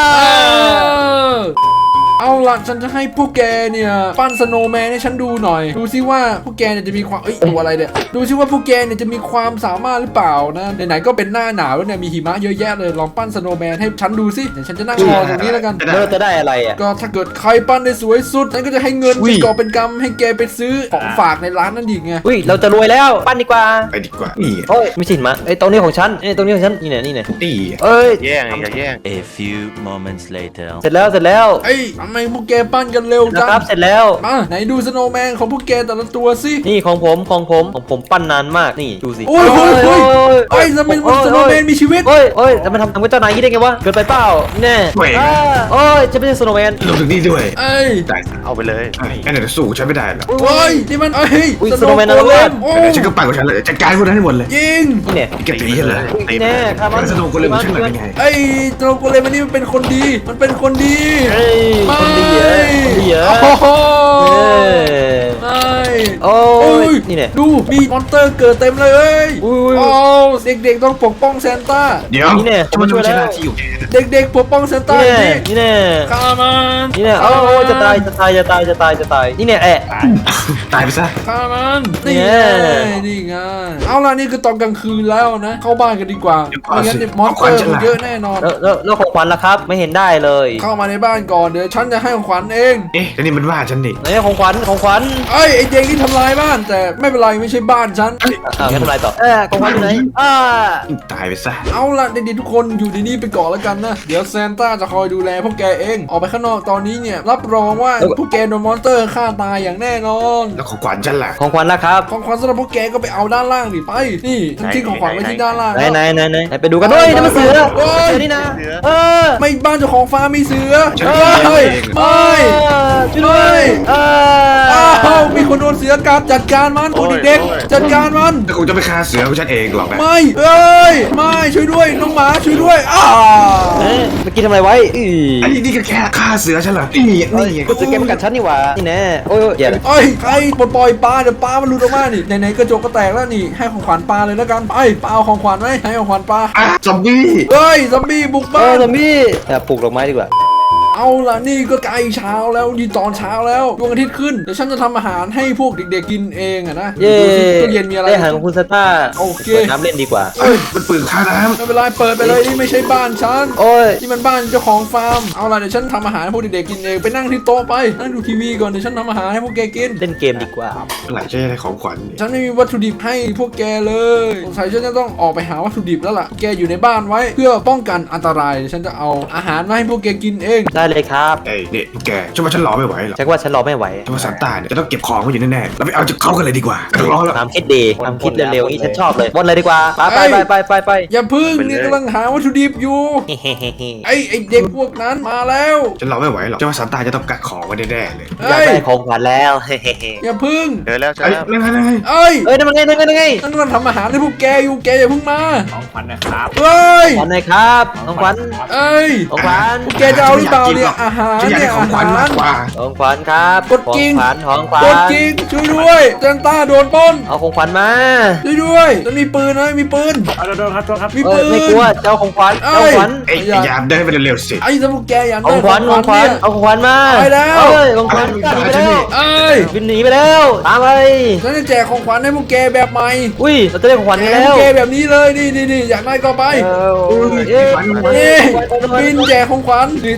[SPEAKER 1] เอาล่ะฉันจะให้พวกแกเนี่ยปั้นสโนว์แมนให้ฉันดูหน่อยดูซิว่าพวกแกเนี่ยจะมีความตัวอะไรเนี่ยดูซิว่าพวกแกเนี่ยจะมีความสามารถหรือเปล่านะไหนๆก็เป็นหน้าหนาวแล้วเนี่ยมีหิมะเยอะแยะเลยลองปั้นสโนว์แมนให้ฉันดูซิเดี๋ยวฉันจะนั่งรอตรงนี้แล้วกัน
[SPEAKER 3] แล้วจะได้อะไรอ่ะ
[SPEAKER 1] ก็ถ้าเกิดใครปั้นได้สวยสุดฉันก็จะให้เงิน
[SPEAKER 3] อุ้
[SPEAKER 1] เป็น
[SPEAKER 3] ย
[SPEAKER 1] กอบเป็นกำให้แกไปซื้อของฝากในร้านนั่นดีไง
[SPEAKER 3] อุ้ยเราจะรวยแล้วปั้นดีกว่า
[SPEAKER 4] ไปดีกว่านี่
[SPEAKER 3] โอ้ยไม่ใช่หิมะไอ้ตรงนี้ของฉันไอ้ตรงนี้ของฉันนี่เนี่ยนี่เนี่ย
[SPEAKER 4] นี่
[SPEAKER 3] เอ้ย
[SPEAKER 5] แย่งอย่าแย่ง
[SPEAKER 6] A few moments later.
[SPEAKER 3] เสร็จแล้วเสร็จแล้ว
[SPEAKER 1] เอ้ยทำไมพวกแกปั้นกันเร็ว
[SPEAKER 3] นะ
[SPEAKER 1] จัง
[SPEAKER 3] ครับเสร็จแล้ว
[SPEAKER 1] มาไหนดูสโนว์แมนของพวกแกแต่ละตัวสิ
[SPEAKER 3] นี่ของผมปั้นนานมากนี่ดูสิ
[SPEAKER 1] โอ้ยโอ้ยโอ้ยโอ้ยทำไมสโนว์แมนมีชีวิต
[SPEAKER 3] โอ้ยโอ้ยจะมาทำกับเจ้านายอย่างนี้ได้ไงวะเกินไปเปล่าแน่โอ้ยจะไม่ใช่สโนว์แมน
[SPEAKER 4] ลงถึงนี่ด้วย
[SPEAKER 1] เอ้ย
[SPEAKER 4] ได้
[SPEAKER 5] เอาไปเลย
[SPEAKER 4] ไอ้นั่นสู้ฉันไม่ได้หรอก
[SPEAKER 1] โอ้ยนี่มันเอ้ย
[SPEAKER 3] อุ้ย
[SPEAKER 1] ส
[SPEAKER 3] ส
[SPEAKER 1] โน
[SPEAKER 3] โนว์
[SPEAKER 1] ว์
[SPEAKER 3] แมน
[SPEAKER 1] โก
[SPEAKER 3] นะ
[SPEAKER 1] เล
[SPEAKER 3] เว้ย
[SPEAKER 1] มโอ้
[SPEAKER 4] เดี๋ยวฉันก็ปั่นของฉันเลยจัดการพวกนั้นให้หมดเลย
[SPEAKER 1] ยิง
[SPEAKER 3] นี่เนี่ย
[SPEAKER 4] แกตีฉันเลย
[SPEAKER 3] นี่แน่ครับมัน
[SPEAKER 4] สนุกคนเลยมันช่างหน่อยเป็นไง
[SPEAKER 1] ไอ้สโนว์โกเลมอันนี้มันเป็นคนดีมันเป็นคนดี
[SPEAKER 3] เฮ้ยคนดีเหรอคนดีเหรอ
[SPEAKER 1] โอ้โห
[SPEAKER 3] เอ้ย
[SPEAKER 1] ไม่
[SPEAKER 3] โอ้
[SPEAKER 1] โอ้
[SPEAKER 3] ย
[SPEAKER 1] ย
[SPEAKER 3] นี่เนี่ย
[SPEAKER 1] ดูมีมอนสเตอร์เกิดเต็มเลย
[SPEAKER 3] อุ้ย
[SPEAKER 1] โอ้เด็กๆต้องปกป้องซานต้า
[SPEAKER 4] เดี๋ยว
[SPEAKER 3] นี่เนี่ย
[SPEAKER 4] จะมาช่วยหน้าที่อยู่
[SPEAKER 1] เด็กๆปกป้องซานต้า
[SPEAKER 3] นี่
[SPEAKER 1] ดิ
[SPEAKER 3] แน่นี่แน่
[SPEAKER 1] ฆ่ามัน
[SPEAKER 3] นี่แน่โอ้ยจะตายนี่เนี่ยแอะ
[SPEAKER 4] ตายไปซะ
[SPEAKER 1] ฆ่ามัน
[SPEAKER 3] นี่
[SPEAKER 1] นี่
[SPEAKER 3] ไง
[SPEAKER 1] ไงนี่ไงเอาล่ะนี่คือตอนกลางคืนแล้วนะเข้าบ้านกันดีกว่าไม่งั้นเนี่ยมอนสเตอร์มันเยอะแน่นอน
[SPEAKER 3] แล้วของขวัญล่ะครับไม่เห็นได้เลย
[SPEAKER 1] เข้ามาในบ้านก่อนเดี๋ยวฉันจะให้ของขวัญเอง
[SPEAKER 4] เอ๊ะแล้วนี่มันว่าฉันนี่
[SPEAKER 3] ไหนของขวัญ
[SPEAKER 1] ไอ้เด็กที่ทำลายบ้านแต่ไม่เป็นไรไม่ใช่บ้านฉัน
[SPEAKER 3] งั้นทำไรต่อของขวัญอยู่ไหน
[SPEAKER 4] ตายไปซะ
[SPEAKER 1] เอาล่ะเด็กๆทุกคนอยู่ในนี้ไปก่อนแล้วกันนะเดี๋ยวซานต้าจะคอยดูแลพวกแกเองออกไปข้างนอกตอนนี้เนี่ยรับรองว่าพวกแกโดนมอนสเตอร์ฆ่าตายอย่างแน่นอน
[SPEAKER 4] แล้วของขวัญฉันล่ะ
[SPEAKER 3] ของขวัญล่ะครับ
[SPEAKER 1] ของขวัญสำหรับพวกแกก็ไปเอาด้านล่างดิไปนี่ฉันทิ้งของขวัญไว้ที่ด้านล่าง
[SPEAKER 3] ไหนไปดูกันด้วยนี่มันเสือนี่นะเออ
[SPEAKER 1] ไม่บ้านเจ้าของฟาร์มมีเสือ
[SPEAKER 4] ฉัน
[SPEAKER 1] เฮ้ย
[SPEAKER 4] เอง
[SPEAKER 1] ไม่
[SPEAKER 3] ช่วยด้วย
[SPEAKER 1] อ้าวมีคนโดนเสือกัดจัดการมันโอ้เด็กๆจัดการมัน
[SPEAKER 4] แต่คงจะไม่ฆ่าเสือของฉันเองหรอกนะ
[SPEAKER 1] ไม่เอ้ยไม่ช่วยด้วยน้องหมาช่วยด้วยอ้า
[SPEAKER 3] เมื่อกี้ทำอะไรไว้อี
[SPEAKER 4] อันนี้นี่ก็แค่ฆ่าเสือฉันเหรอนี่นี่
[SPEAKER 3] กูจะเก็บกัดฉันนี่หว่านี่แน่โอ้ยอย่า
[SPEAKER 1] เอ้ยใครปล่อยปลาเดี๋ยวปลามันหลุดออกมานี่ไหนๆกระจกก็แตกแล้วนี่ให้ของขวัญปลาเลยแล้วกันไปปลาเอาของขวัญไหมให้ของขวัญปลา
[SPEAKER 4] ซอมบี้
[SPEAKER 1] เฮ้ยซอมบี้บุกบ้าน
[SPEAKER 3] ซอมบี้ปลูกดอกไม้ดีกว่า
[SPEAKER 1] เอาล่ะนี่ก็ใกล้เช้าแล้วนี่ตอนเช้าแล้วดวงอาทิตย์ขึ้นเดี๋ยวฉันจะทำอาหารให้พวกเด็กๆกินเองอะนะ
[SPEAKER 3] เย้
[SPEAKER 1] ดูสิตู้เย็นมีอะไร
[SPEAKER 3] ได้อาหารของคุณซาต้า
[SPEAKER 1] โอเค
[SPEAKER 3] ปิดน้ำเล่นดีกว่า
[SPEAKER 4] เอ้ยมันปืนฆ่าน้
[SPEAKER 1] ไม่เป็นไรเปิดไปเลยนี่ไม่ใช่บ้านฉัน
[SPEAKER 3] โอ้ย
[SPEAKER 1] นี่มันบ้านเจ้าของฟาร์มเอาล่ะเดี๋ยวฉันทำอาหารให้พวกเด็กๆกินเองไปนั่งที่โต๊ะไปนั่งดูทีวีก่อนเดี๋ยวฉันทำอาหารให้พวกแกกิน
[SPEAKER 3] เล่นเกมดีกว่า
[SPEAKER 4] ำหลายใช้อะไรของขวัญนี่
[SPEAKER 1] ฉันไม่มีวัตถุดิบให้พวกแกเลยสงสัยฉันจะต้องออกไปหาวัตถุดิบแล้วล่ะแกอยู่ในบ้านไว้เพื่อป้องกันอันตรายเดี๋ยวฉันจะเอาอาหารมาให้พวกแกกินเอง
[SPEAKER 3] ได้เลยครับ
[SPEAKER 4] เอ้ยนี่แกฉันว่าฉันรอไม่ไหวหรอก
[SPEAKER 3] ฉันว่าฉันรอไม่ไหว
[SPEAKER 4] ฉันว่าซานต้าเนี่ยจะต้องเก็บของไว้อยู่แน่ๆเราไปเอาจากเขากันเลยดีกว่ารอแล้ว
[SPEAKER 3] ทำคิดดีทำคิดเร็วๆนี่ฉันชอบเลยบนเลยดีกว่าไป
[SPEAKER 1] อย่าพึ่งนี่กำลังหาวัตถุดิบอยู่ไอ้เด็กพวกนั้นมาแล้ว
[SPEAKER 4] ฉันรอไม่ไหวหรอกฉันว่าซานต้าจะต้องกักของไว้แน่ๆเลย
[SPEAKER 3] อยากได้ของขวัญแล้ว
[SPEAKER 1] อย่าพึ่ง
[SPEAKER 5] เจอแล้วเจอ
[SPEAKER 4] เอ้ย
[SPEAKER 5] แล้ว
[SPEAKER 4] นั่น
[SPEAKER 1] เอ้ย
[SPEAKER 3] นั่นมันไง
[SPEAKER 1] ฉันกำลังทำอาหารให้พวกแกอยู่แกอย่าพึ่งมา
[SPEAKER 2] ของขวัญนะครับ
[SPEAKER 1] เอ้ย
[SPEAKER 3] ขวัญไหนครับของขวัญ
[SPEAKER 1] เอ้ย
[SPEAKER 3] ของขวัญ
[SPEAKER 1] พวกแกจะเอาหรือเปล่าเนี่ยอาหาร
[SPEAKER 4] ฉันอยาก
[SPEAKER 1] เนี่
[SPEAKER 4] ได้
[SPEAKER 1] ย
[SPEAKER 4] ของ
[SPEAKER 1] อา
[SPEAKER 4] ขวัญ
[SPEAKER 1] หาม
[SPEAKER 4] าร กกว่า
[SPEAKER 3] ของขวัญครับ
[SPEAKER 1] กดกิ่ง
[SPEAKER 3] ของขวัญ
[SPEAKER 1] กดกิ่งช่วยด้วยเจนต้าโดนปล้น
[SPEAKER 3] เอาของขวัญมา
[SPEAKER 1] ช่วยด้วยจะมีปืนไหมมีปืน
[SPEAKER 2] เอาโดนครับโทษครับ
[SPEAKER 1] มี
[SPEAKER 3] เอ้
[SPEAKER 1] ปื
[SPEAKER 3] ย
[SPEAKER 1] น
[SPEAKER 3] ไม่กลัวเจ้าของขวัญเจ้าของขวัญ
[SPEAKER 4] เอ้ยยามเดินไปเร็วๆสิ
[SPEAKER 1] ไอ้สมุกแกอยาก
[SPEAKER 3] ขอ
[SPEAKER 1] ได้
[SPEAKER 3] งขวัญของขวัญ
[SPEAKER 1] เนี่ย
[SPEAKER 3] เอาของขวัญมา
[SPEAKER 1] ไปแล้ว
[SPEAKER 3] เอ้ยของขวัญหนีไปแล้ว
[SPEAKER 1] เอ้ย
[SPEAKER 3] บินหนีไปแล้วตามไป
[SPEAKER 1] ฉันจะแจกของขวัญให้พวกแกแบบใหม่
[SPEAKER 3] อุ้ยเราจะได้ของขวัญ
[SPEAKER 1] แจ
[SPEAKER 3] กัน
[SPEAKER 1] กพ
[SPEAKER 3] แล้ว ว
[SPEAKER 1] กแกแบบนี้เลยนี่อยากได้ก็ไป
[SPEAKER 3] เอ้ย
[SPEAKER 1] นี่บินแจกของขวัญนี่เต็มพื้น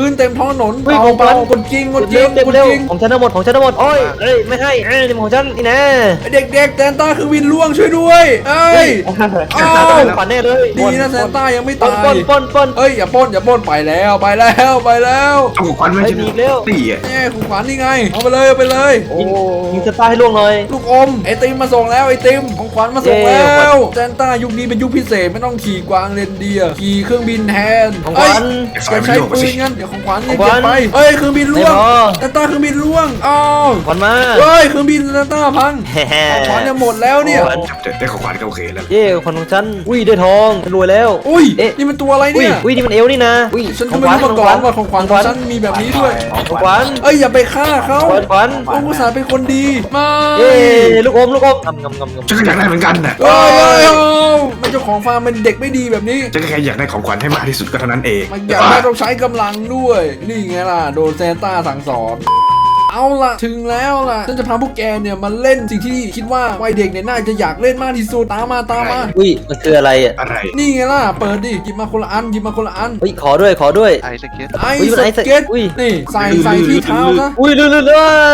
[SPEAKER 1] นเต็มท้องถนน
[SPEAKER 3] วิ่ง
[SPEAKER 1] เปล่า
[SPEAKER 3] ของ
[SPEAKER 1] กดจริงกดจริ
[SPEAKER 3] เร็
[SPEAKER 1] ง
[SPEAKER 3] วเร็ว
[SPEAKER 1] กด
[SPEAKER 3] เร็ว
[SPEAKER 1] จริง
[SPEAKER 3] ของฉันทั้งหมดโอ้ยเอ้ยไม่ให้นี่ของฉันนี่นะ
[SPEAKER 1] เด็กๆแซนต้าคือวินล่วงช่วยด้วยเอ้ย อ้าว
[SPEAKER 3] ขวัญแน่เลย
[SPEAKER 1] ดีนะแซนต้ายังไม่
[SPEAKER 3] ป
[SPEAKER 1] ตาน ย
[SPEAKER 3] ปน
[SPEAKER 1] เอ้ยอย่าปล้นไปแล้วไปแล้ว
[SPEAKER 4] เอาของขวัญมาฉัน
[SPEAKER 3] ไปดีเร็ว
[SPEAKER 4] ตีอ่ะ
[SPEAKER 1] นี่ของขวัญนี่ไงเอาไปเลยเอาไปเลย
[SPEAKER 3] ยิงสตาร์ให้ล่วงหน่อย
[SPEAKER 1] ลูกอมไอติมมาส่งแล้วไอติมของขวัญมาส่ง
[SPEAKER 3] เย้
[SPEAKER 1] แล้วแซนต้ายุคนี้เป็นยุคพิเศษไม่ต้องขี่กวางเรนเดียร์ขี่เครื่องบินแทน
[SPEAKER 3] ของขวัญ
[SPEAKER 1] เอ้ยจะใช้ปืนงั้นเดี๋ยวของขวัญเนี่ย
[SPEAKER 3] ของขวั
[SPEAKER 1] เก็บ
[SPEAKER 3] ญ
[SPEAKER 1] ไปเอ้ยเครื่องบินล่วง
[SPEAKER 3] ไม่พอ
[SPEAKER 1] แซนต้าเครื่องบินล่วงอ้าว
[SPEAKER 3] ขวัญมา
[SPEAKER 1] เฮ้ยเครื่องบินแซนต้าพังของขวัญจะหมดแล้วเนี่ย
[SPEAKER 4] ได้ของขวัญก็โอเคแล้ว
[SPEAKER 3] เย่ขวัญของฉันอุ้ยได้ทองรวยแล้ว
[SPEAKER 1] อุ้ย
[SPEAKER 3] เอ๊ะ
[SPEAKER 1] นี่มันตัวอะไร
[SPEAKER 3] อุ้ย
[SPEAKER 1] เนี่ย
[SPEAKER 3] อุ้ยนี่มันเอวนี่นะอุ้ย
[SPEAKER 1] ฉันก็ไม่รู้มาก่อนว่าของขวัญของฉันมีแบบนี้ด้วย
[SPEAKER 3] ของขวัญ
[SPEAKER 1] เอ้ยอย่าไปฆ่าเขา
[SPEAKER 3] ขวัญ
[SPEAKER 1] โอ้กุศลเป็นคนดีมา
[SPEAKER 3] เย่ลูกอมงำ
[SPEAKER 4] ฉันก็อยากได้เหมือนกันน่ะ
[SPEAKER 1] เอ้ยมันเจ้าของฟาร์มเป็นเด็กไม่ดีแบบนี้
[SPEAKER 4] ฉันก็แค่อยากได้ของขวัญให้มากที่สุดก็เท่านั้นเอง
[SPEAKER 1] มันอยากได้ต้องใช้กำลังด้วย นี่ไงล่ะโดนแซนต้าสั่งสอน เอาล่ะถึงแล้วล่ะฉันจะพาพวกแกเนี่ยมาเล่นสิ่งที่คิดว่าวัยเด็กเนี่ยน่าจะอยากเล่นมากที่สุดตามมา
[SPEAKER 3] อุ้ยมันคืออะไรอ่ะ
[SPEAKER 4] อะไร
[SPEAKER 1] นี่ไงล่ะเปิดดิหยิบมาคนละอันหยิบมาคนละอัน
[SPEAKER 3] อุ้ยขอด้วย
[SPEAKER 5] ไอสเก็ต
[SPEAKER 1] ไอ
[SPEAKER 3] อุ้ยมัน
[SPEAKER 1] ส
[SPEAKER 3] ไอส
[SPEAKER 1] เก็ต
[SPEAKER 3] อุ้ย
[SPEAKER 1] นี่ใส่ที่เท้าซะ
[SPEAKER 3] อุ้ยเรื่อย